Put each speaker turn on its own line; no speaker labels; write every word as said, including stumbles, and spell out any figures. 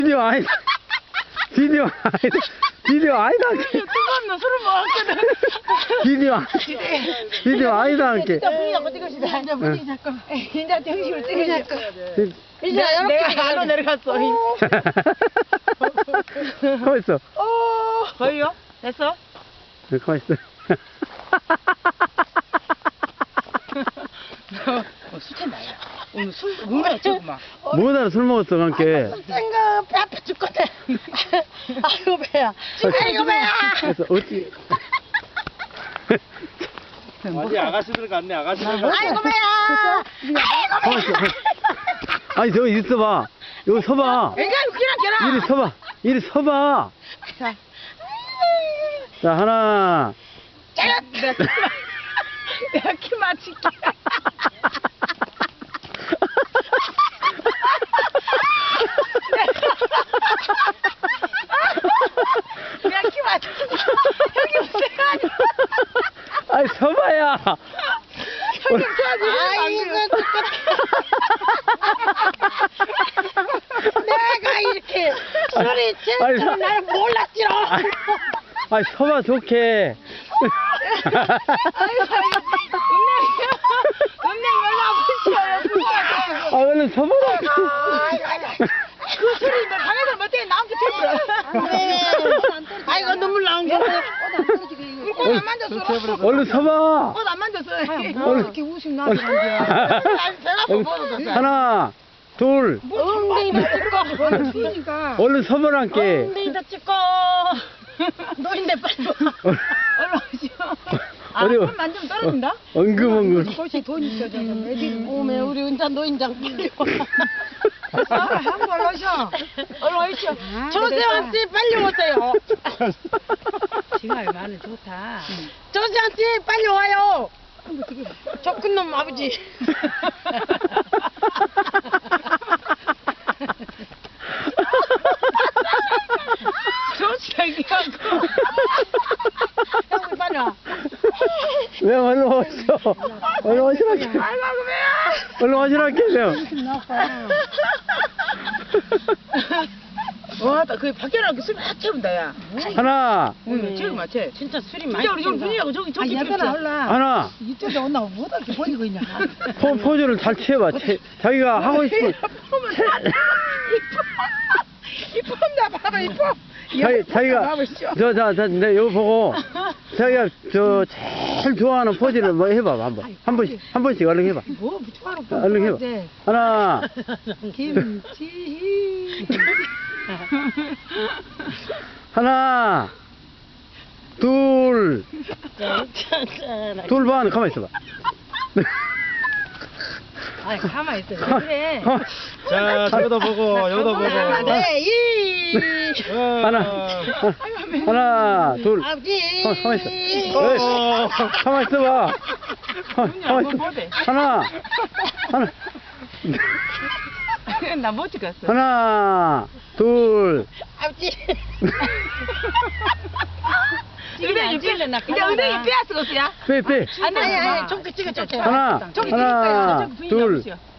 비디오 아니다. 비디오 아니다. 비디오 아니다.
두번너 술을 먹었거든.
비디오 아니다. 비디오 아니다. 함께.
진짜 분위기가 어디 것이다. 이제 분위기 잡고. 이제 정식으로 찍으자고. 이제
내가
내가 안로 내려갔어.
가만 있어.
어. 거의요? 됐어?
네, 가만 있어.
어, 술 취했나요? 오늘 술 뭔가 조금만.
뭐하다 술 먹었어, 함께.
생각 배 아파 죽거든. 아이고 배야. 아이고 배야.
그래서 어찌.
아니 아가씨들 같네 아가씨들 같네.
아이고 배야.
가만 있어. 아니, 저기 있어봐. 여기 서봐.
애가 웃기나 걔라.
이리 서봐. 이리 서봐.
자,
자, 하나.
내가 키- 내가 키 맞출게. 내가 키 맞출게. 형이 웃어가지고.
아이, 서봐야.
형이 웃어가지고.
아이고 내가 이렇게 술이
아니,
제일 날 몰랐지롱.
아이, 서봐, 좋게.
아이고, 은행 연락 아프시오.
아, 얼른 서봐라.
그 소리 너 방에서 못해 나온 게 제일
아이고 눈물 나온 거.
꽃안 만졌어.
얼른 서봐.
꽃안 만졌어.
얼른.
이렇게 웃음 나는데.
하나, 둘.
엉덩이도 찍고.
그러니까.
얼른 서보란께.
엉덩이도 찍고. 노인네 빨리 와.
얼른 오시오. 아,
어디,
손 만지면 떨어진다?
엉금엉금.
꽃이 돈 있어. 애들.
오메 우리 은자 노인장 빨리 와.
아, 한번 오셔. 얼른 오시오.
조세환씨 빨리 오세요.
지금 많은 좋다.
조세환씨 빨리 와요. 적근놈 아버지.
좋지, 얘기하고.
형 빨리 와.
왜 얼른 오시오. 얼른 오시라게.
아이고, 왜요?
얼른 오시라게, 형.
와, 나 그 밖에 나가서 술다 채운다, 야.
하나,
응, 제일 맞지?
진짜 술이 많이
진짜 우리 좀 분위기하고 저기 저기
얘들아,
좀
하나.
이쪽에 온나 뭐다 이렇게 버리고 있냐.
포, 포즈를 잘 취해봐. 채, 자기가 하고 싶은.
이뻐. 이쁜다, 봐봐, 이뻐.
자기, 자기가,
봐보시오.
저, 자, 자, 내 이거 보고, 자기가 저, 제일 좋아하는 포즈를 뭐 해봐, 한 번. 한 번씩, 한 번씩 얼른 해봐.
뭐, 부처하러
얼른 해봐. 하나,
김치.
하나, 둘, 둘 반, 가만히 있어봐.
아니, 가만히 있어. 왜 그래?
가만-
자 저기도 보고 여기도 보고.
네, 이.
어.
하나, 하나, 둘.
아버지.
가만- 가만히 있어.
어.
에이, 가만히 있어봐. 가만- 가만히 있어. 하나, 하나,
나 못 찍었어.
하나, 둘.
아버지.
은행이 빼, 이제 은행이 빼앗은 것이야?
빼, 빼.
안 돼,
아니,
안
아니,
돼.
좀 찍어, 좀
하나,
저기
하나,
저기 분위기
둘.
없으시오.